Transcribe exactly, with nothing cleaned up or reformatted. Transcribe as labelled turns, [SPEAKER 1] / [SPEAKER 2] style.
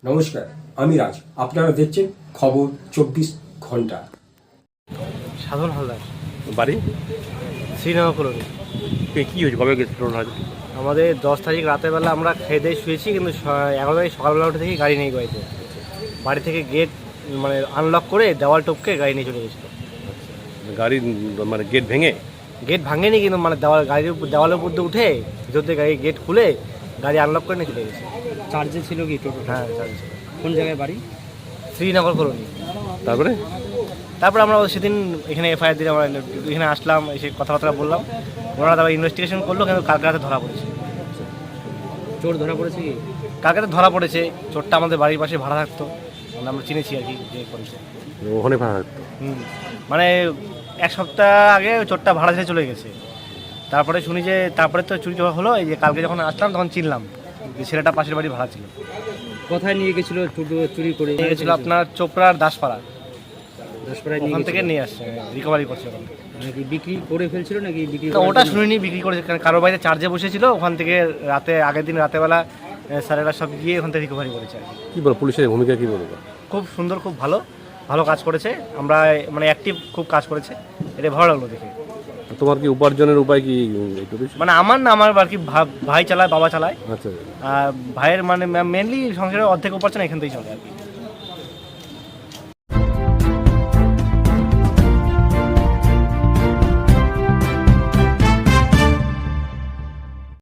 [SPEAKER 1] নমস্কার, আমি রাজ। আপনারা দেখছেন খবর চব্বিশ ঘন্টা।
[SPEAKER 2] সাধন হালদার,
[SPEAKER 3] বাড়ি
[SPEAKER 2] শ্রীনগর কলোনি।
[SPEAKER 3] কি হয়েছে, কবে গেছিল?
[SPEAKER 2] আমাদের দশ তারিখ রাতের বেলা আমরা খেয়ে দিয়ে শুয়েছি, কিন্তু স- এগারো তারিখ সকালবেলা উঠে থেকে গাড়ি নেই বাড়িতে। বাড়ি থেকে গেট মানে আনলক করে দেওয়াল টপকে গাড়ি নিয়ে চলে গেছিলো।
[SPEAKER 3] গাড়ি মানে গেট ভেঙে?
[SPEAKER 2] গেট ভাঙেনি, কিন্তু মানে দেওয়াল গাড়ির উপর দেওয়ালের উপর দিয়ে উঠে ভিতর থেকে গাড়ি গেট খুলে গাড়ি আনলক করে নিয়ে চলে গেছে।
[SPEAKER 4] চার্জে ছিল কি টোটো?
[SPEAKER 2] হ্যাঁ, চার্জ।
[SPEAKER 4] কোন জায়গায় বাড়ি?
[SPEAKER 2] শ্রীনগর কলোনি।
[SPEAKER 3] তারপরে
[SPEAKER 2] তারপর আমরা সেদিন এখানে এফআইআর দিলে আমরা এখানে আসলাম, এসে কথাবার্তা বললাম। ওনারা তারপর ইনভেস্টিগেশন করলো, কিন্তু কালকে রাতে ধরা পড়েছে।
[SPEAKER 4] চোর ধরা পড়েছে কি?
[SPEAKER 2] কালকে রাতে ধরা পড়েছে। চোরটা আমাদের বাড়ির পাশে ভাড়া থাকতো, মানে আমরা চিনেছি আর কি যে করেছে।
[SPEAKER 3] ওখানে ভাড়া থাকতো?
[SPEAKER 2] হুম, মানে এক সপ্তাহ আগে ওই চোরটা ভাড়া ছেড়ে চলে গেছে। তারপরে শুনি যে তারপরে তো চুরি হলো। এই যে কালকে যখন আসলাম তখন চিনলাম যে ছেলেটা পাশের বাড়ি ভাড়া ছিল।
[SPEAKER 4] কোথায় নিয়ে গেছিল চুরি করে?
[SPEAKER 2] নিয়ে গেছিলো আপনার চোপড়ার দাসপাড়া,
[SPEAKER 4] দশপাড়ায় নিয়ে
[SPEAKER 2] ওখান থেকে
[SPEAKER 4] গেছিল।
[SPEAKER 2] নিয়ে আসছে, রিকভারি করছে ওখান থেকে।
[SPEAKER 4] নাকি বিক্রি করে ফেলছিল নাকি বিক্রি
[SPEAKER 2] তো
[SPEAKER 4] করার
[SPEAKER 2] ওটা
[SPEAKER 4] জন্য?
[SPEAKER 2] শুনিনি বিক্রি করেছে, কারণ কারো বাড়িতে চার্জে বসেছিল, ওখান থেকে রাতে আগের দিন রাতেবেলা এ, স্যারেরা সব গিয়ে ওখান থেকে রিকভারি করেছে আর কি।
[SPEAKER 3] কি বলো, পুলিশের ভূমিকা কি বলবো?
[SPEAKER 2] খুব সুন্দর, খুব ভালো ভালো কাজ করেছে। আমরা মানে অ্যাক্টিভ খুব কাজ করেছে, এটা ভালো লাগলো দেখে।
[SPEAKER 3] তোমার কি উপার্জনের উপায় কি একটু বেশি?
[SPEAKER 2] মানে আমার না, আমার আর কি ভা- ভাই চালায়, বাবা চালায়।
[SPEAKER 3] আচ্ছা,
[SPEAKER 2] আর ভাইয়ের মানে মেনলি সংসারের অর্ধেক উপার্জন এখান থেকেই চলে আর কি।